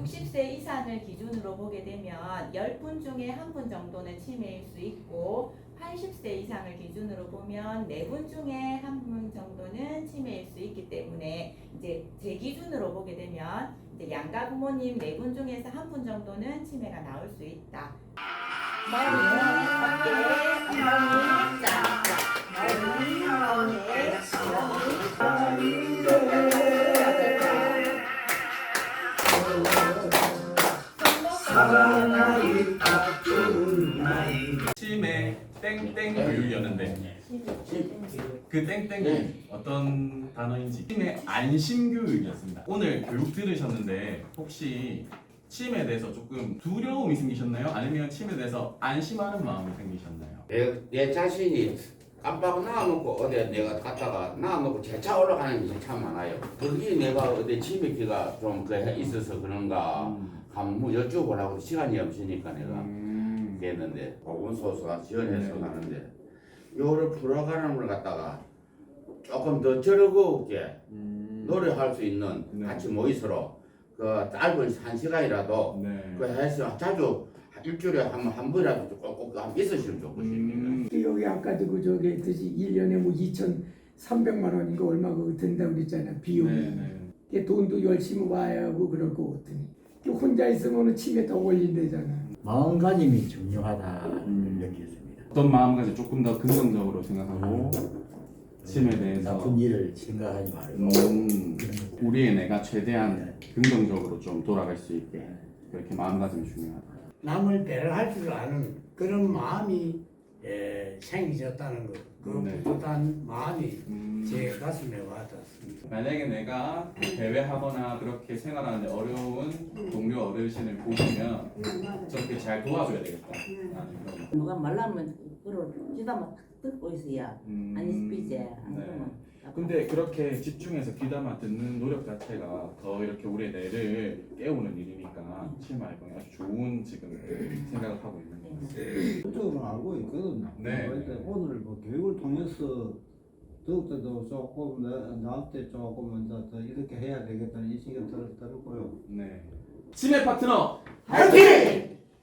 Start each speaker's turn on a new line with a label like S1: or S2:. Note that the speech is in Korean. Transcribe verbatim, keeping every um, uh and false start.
S1: 육십 세 이상을 기준으로 보게 되면 십 분 중에 한 분 정도는 치매일 수 있고 팔십 세 이상을 기준으로 보면 네 분 중에 한 분 정도는 치매일 수 있기 때문에 이제 제 기준으로 보게 되면 이제 양가 부모님 네 분 중에서 한 분 정도는 치매가 나올 수 있다. 머리, 어깨, 엉덩이, 자, 머리,
S2: 치매 땡땡 교육이었는데 그 땡땡이 어떤 단어인지 치매 안심 교육이었습니다. 오늘 교육 들으셨는데 혹시 치매에 대해서 조금 두려움이 생기셨나요? 아니면 치매에 대해서 안심하는 마음이 생기셨나요?
S3: 내, 내 자신이 깜빡 놔놓고 어디 내가 갔다가 놔놓고 재차 올라가는 게 참 많아요. 거기 내가 어디 치매기가 좀 그 있어서 그런가
S2: 음.
S3: 한번 여쭤보려고 시간이 없으니까 내가
S2: 음.
S3: 했는데 보건소가 지원해서
S2: 네.
S3: 가는데 요를 풀어가는 걸 갖다가 조금 더 즐거웠게
S2: 음.
S3: 노래할 수 있는
S2: 네.
S3: 같이 모이서로 그 짧은 한 시간이라도
S2: 네.
S3: 그 해서 자주 일주일에 한, 한 번이라도 꼭꼭 있으시면 좋겠습니다.
S2: 음.
S4: 여기 아까도 그 저기 했듯이 일 년에 뭐 이천삼백만 원인가 얼마 그거 든다고 그랬잖아 비용이.
S2: 네, 네.
S4: 그 돈도 열심히 와야 하고 그럴 거 같더니 그 혼자 있으면 치매 더 걸린대잖아.
S5: 마음가짐이 중요하다
S2: 음.
S5: 느꼈습니다.
S2: 어떤 마음가짐 조금 더 긍정적으로 생각하고 치매에 대해서
S5: 나쁜 일을 생각하지 말고
S2: 음, 우리의 내가 최대한 긍정적으로 좀 돌아갈 수 있게 그렇게 마음가짐이 중요하다.
S6: 남을 배려할 줄 아는 그런 마음이 에, 생기셨다는 것, 그
S2: 네.
S6: 뿌듯한 마음이
S2: 음,
S6: 제 가슴에 와닿습니다.
S2: 만약에 내가 대회하거나 그렇게 생활하는데 어려운 동료 어르신을 보시면 저렇게 잘 도와줘야 되겠다. 라는 그런
S7: 누가 말라면 그걸 귀담아 듣고 있어야
S2: 음,
S7: 안 있지. 안
S2: 네.
S7: 그러면
S2: 근데 그렇게 집중해서 귀담아 듣는 노력 자체가 더 이렇게 우리의 뇌를 깨우는 일이니까 치매 알고는 아주 좋은 지금 생각을 하고 있는 것 같아요.
S8: 그쪽으로 알고 있거든요.
S2: 네.
S8: 그런데 오늘 뭐 교육을 통해서 더욱더 조금 나, 나한테 조금 더, 더 이렇게 해야 되겠다는 이 생각이 들- 들었고요.
S2: 네. 치매 파트너
S7: 화이팅!